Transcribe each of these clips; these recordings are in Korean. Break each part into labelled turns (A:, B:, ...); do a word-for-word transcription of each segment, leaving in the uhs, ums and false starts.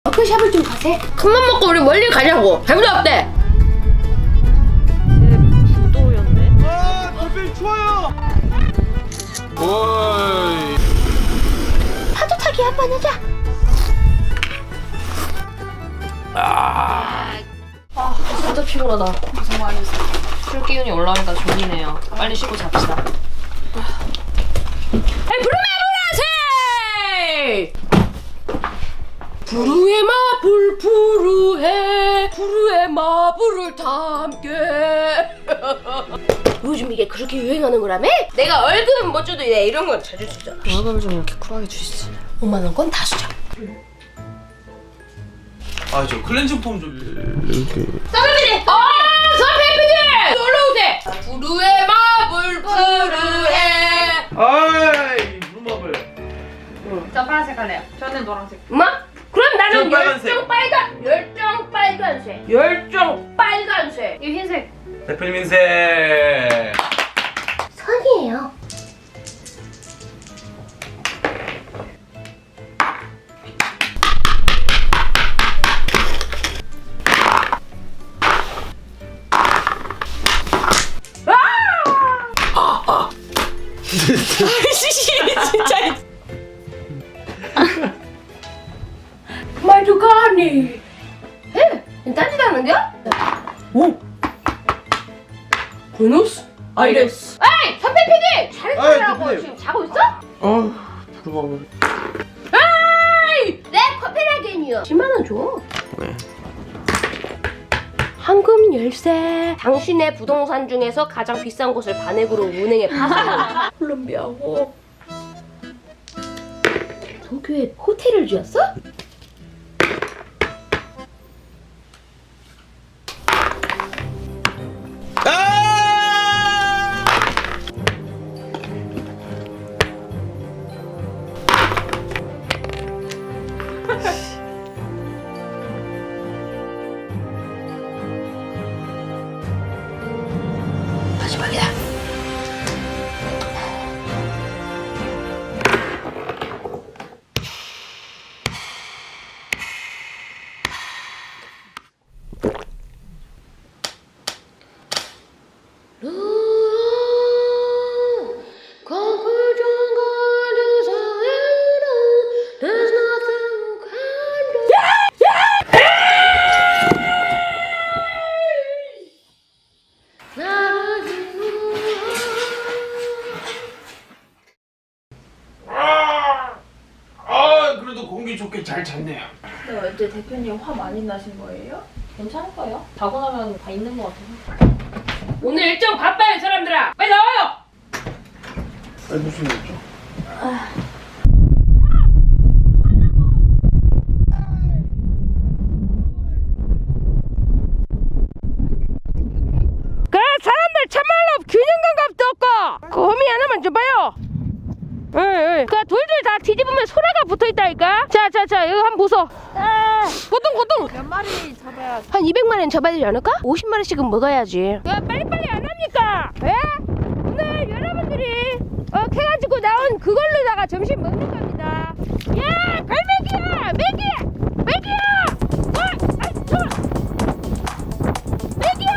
A: 워크숍을 좀 가세. 큰맘 먹고 우리 멀리 가자고. 배부도 없대.
B: 부도였네.
C: 아, 달팽이 좋아요. 오이.
A: 파도 타기 한번 하자.
C: 아.
B: 아 진짜 피곤하다. 고생 많으셨어요. 술 기운이 올라오니까 졸리네요. 빨리 쉬고 잡시다.
A: 부르메 보라세. 부르의 마블 부르해 부르의 마블을 담게. 요즘 이게 그렇게 유행하는 거라며? 내가 월급은 못 줘도 얘 이런 건 자주 주잖아.
B: 월급을 좀 이렇게 쿨하게 주시지.
A: 오만 원 건 다 주자.
C: 아, 저 클렌징 폼 좀. 이렇게.
A: 서피디! 어! 서피디! 놀러오세! 부르의 마블 부르해.
C: 아이, 무마블.
D: 저 파란색 할래요. 저는 노란색.
A: 엄마? 그럼 나는
C: 저 빨간색.
A: 열정 빨간 열정 빨간색 열정 빨간색.
D: 이 흰색.
C: 대표님 인생.
A: 선이에요. 진짜. 말도가니. 에? 딴짓 하는겨? 오. 보너스? 아이레스. 에이, 선배 피디! 잘
C: 아이,
A: 자라고
C: 대표님.
A: 지금 자고 있어?
C: 아, 부르마블.
A: 에이, 내 커피라겐이요. 십만 원 줘.
C: 네.
A: 황금 열쇠. 당신의 부동산 중에서 가장 비싼 곳을 반액으로 은행에 파서 콜롬비아고. 도쿄에 호텔을 지었어?
C: 아!
A: 마지막이다.
C: 아, 그래도 공기 좋게 잘 잤네요.
D: 근데 어제 대표님 화 많이 나신 거예요?
B: 괜찮을 거예요? 자고 나면 다 있는 것 같아서.
A: 오늘 일정 바빠요, 사람들아. 빨리 나와요.
C: 아니, 무슨 일이죠?
A: 그 사람들 참말로 균형 감각도 없고 그 호미 하나만 줘봐요. 응, 응. 그 돌들 다 뒤집으면 소라가 붙어있다니까. 자자자 이거 한번 보소. 고동 고동.
D: 몇 마리 잡아야
A: 한 이백만 원 잡아야 되지 않을까? 오십만 원씩은 먹어야지. 야 빨리빨리 안 합니까? 예? 오늘 여러분들이 어 캐가지고 나온 그걸로다가 점심 먹는 겁니다. 야 갈매기야 매기 매기야. 와, 아이 좋아. 매기야.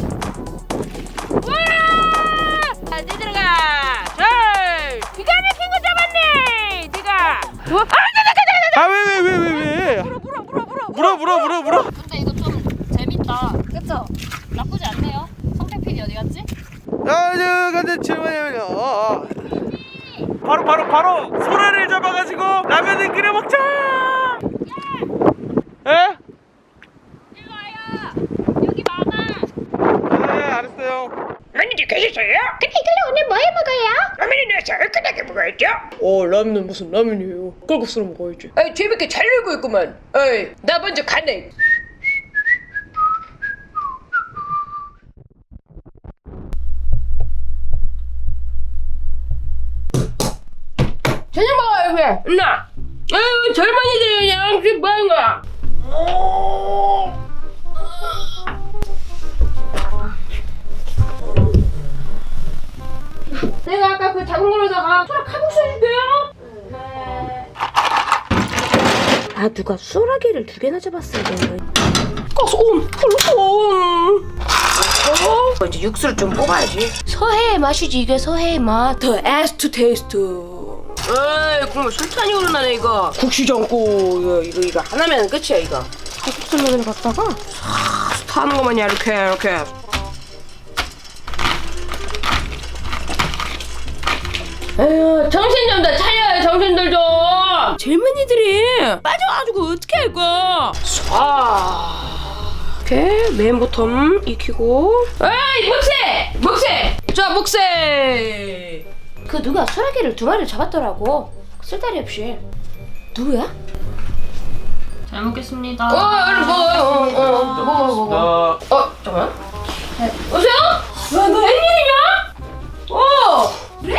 A: 와, 자 이제 들어가. 절. 기가 막힌 거 잡았네. 네가. 좋아. 아,
C: 아, 왜, 왜, 왜, 왜, 왜?
D: 물어 물어 물어 물어.
C: 물어, 물어, 물어, 물어.
B: 근데 이거 좀 재밌다. 그쵸? 나쁘지 않네요. 성태 피디 어디 갔지?
C: 아, 저, 근데 질문이요. 어, 어. 바로, 바로, 바로 소라를 잡아가지고 라면을 끓여 먹자. 예?
B: 일로 와요. 여기 많아.
C: 네, 알았어요.
E: 매니저 계셨어요?
A: 근데 이걸로 오늘 뭐 해 먹어요?
E: 라면이 내서 얼큰하게 먹어야죠.
A: 어 라면은 무슨 라면이에요? 꼴국수로 먹어야지. 에이 재밌게 잘 놀고 있구만. 에이 나 먼저 가네. 저녁 먹어요 그냥. 누나. 아유 젊은이들이 그냥 지금 뭐하는 거야? 내가 아까 그 작은 걸로다가 소라 칼국수 해줄게요. 네. 아 누가 소라게를 두 개나 잡았어야 되는 거야. 가솜 꿀솜. 어? 이제 육수를 좀 뽑아야지. 서해의 맛이지 이게 서해의 맛. 더 에스트 테이스트. 에이 국물 술탄이 오르나네 이거. 국시전국 이거 이거 이거 하나면 끝이야 이거. 국수를 갖다가 싹 타는 거만이야 이렇게 이렇게. 에휴 정신 좀 다 차려요 정신들 좀. 젊은이들이 빠져가지고 어떻게 할 거야. 아 이렇게 맨 보텀 익히고. 에이 목세 목세 자 목세. 그 누가 소라게를 두 마리를 잡았더라고 쓸데리 없이. 누구야?
B: 잘 먹겠습니다.
A: 어 얼른 먹어. 어, 어, 먹어 먹어.
C: 나
A: 어 잠깐만. 네. 여보세요? 와, 너 웬일이냐? 어 그래?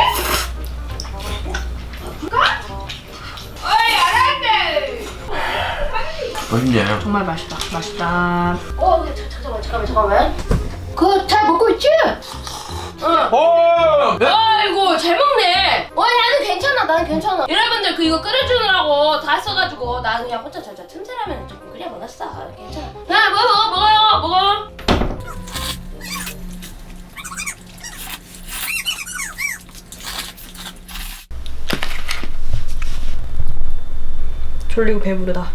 A: 어이 알았네.
C: 맛있냐?
B: 정말 맛있다. 맛있다.
A: 어 자, 잠깐만 잠깐만 잠깐만. 그거 잘 먹고 있지? 응.
C: 어!
A: 아이고 잘 먹네. 어 나는 괜찮아 나는 괜찮아. 여러분들 그 이거 끓여주느라고 다 써가지고 나 그냥 혼자 저저 틈새라면 조금 끓여 먹었어. 괜찮아. 야 먹어 먹어요 먹어.
B: 졸리고 배부르다.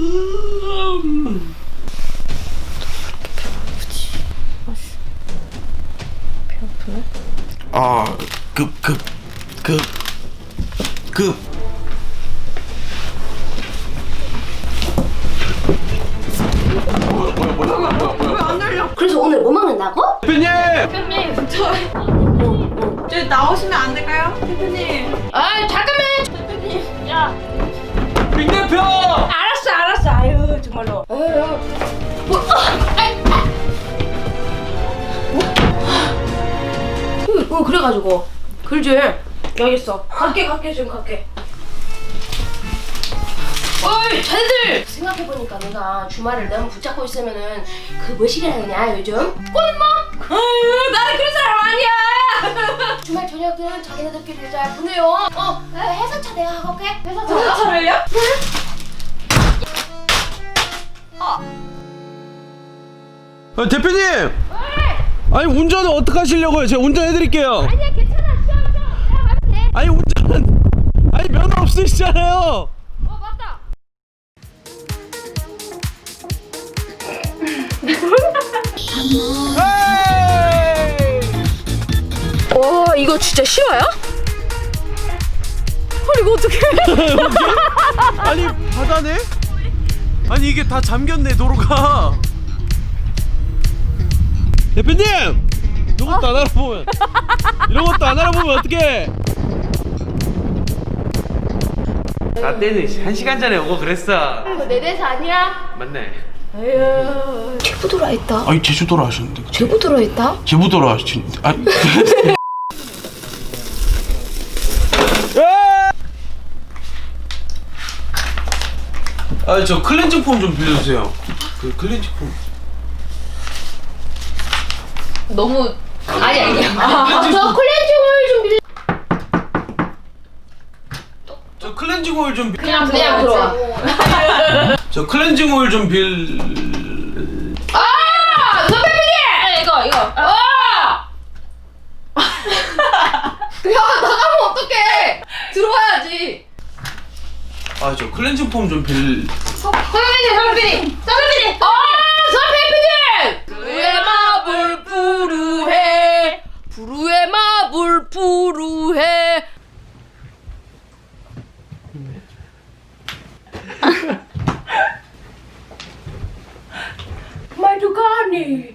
C: 아, 급, 급, 급, 급. 뭐야, 뭐야, 뭐야, 뭐야, 뭐야, 뭐야.
A: 그래서 오늘 뭐 먹는다고?
C: 대표님!
D: 대표님 저 저기 나오시면 안 될까요? 대표님.
A: 아 잠깐만. 대표님 야.
C: 빅 대표!
A: 알았어 알았어 아유 정말로. 아유 뭐 어, 아이, 아. 어, 어 그래가지고 그러지. 알겠어. 갈게 갈게 지금 갈게. 어이 자네들 생각해보니까 내가 주말을 너무 붙잡고 있으면은 그 뭐시기라 그러냐 요즘? 꽃마? 아유 나는 그런 사람 아니야. 주말 저녁은 자기네들끼리 잘 보내요. 어 회사차 내가 하고 올게. 회사차.
D: 회사차를요?
C: 아, 대표님! 아니, 운전은 어떻게 하시려고요? 제가 운전해드릴게요.
A: 아니야 괜찮아 쉬어 쉬어 내가 가면 돼.
C: 아니, 운전은. 아니, 면허 없으시잖아요.
A: 어 맞다. 와 이거 진짜 쉬워요? 헐 이거 어떡해.
C: 아니, 바다네? 아니, 이게 다 잠겼네, 도로가. 대표님! 이런 것도 안 알아보면. 이런 것도 안 알아보면 어떡해. 나 때는 한 시간 전에 오고 그랬어.
A: 이거 내 대사 아니야?
C: 맞네.
A: 에휴 제부도로 했다.
C: 아니, 제주도로 하셨는데.
A: 제부도로 했다?
C: 제부도로 하시는데. 아니. 아, 저 클렌징 폼 좀 빌려주세요. 그 클렌징 폼.
B: 너무 아니 아니.
A: 저 클렌징 오일 좀 빌려.
C: 저 클렌징 오일 좀. 빌...
B: 그냥 그냥 들어와.
C: 저 클렌징 오일 좀 빌.
A: 아 선배님!
B: 이거 이거.
A: 아! 야 나가면 어떡해? 들어와야지.
C: 아, 저 클렌징 폼 좀 빌.
A: 선배님 선배님 선배님. 아 선배님! 부르의 마블 부르해 부르의 마블 부르해. 말도 가니.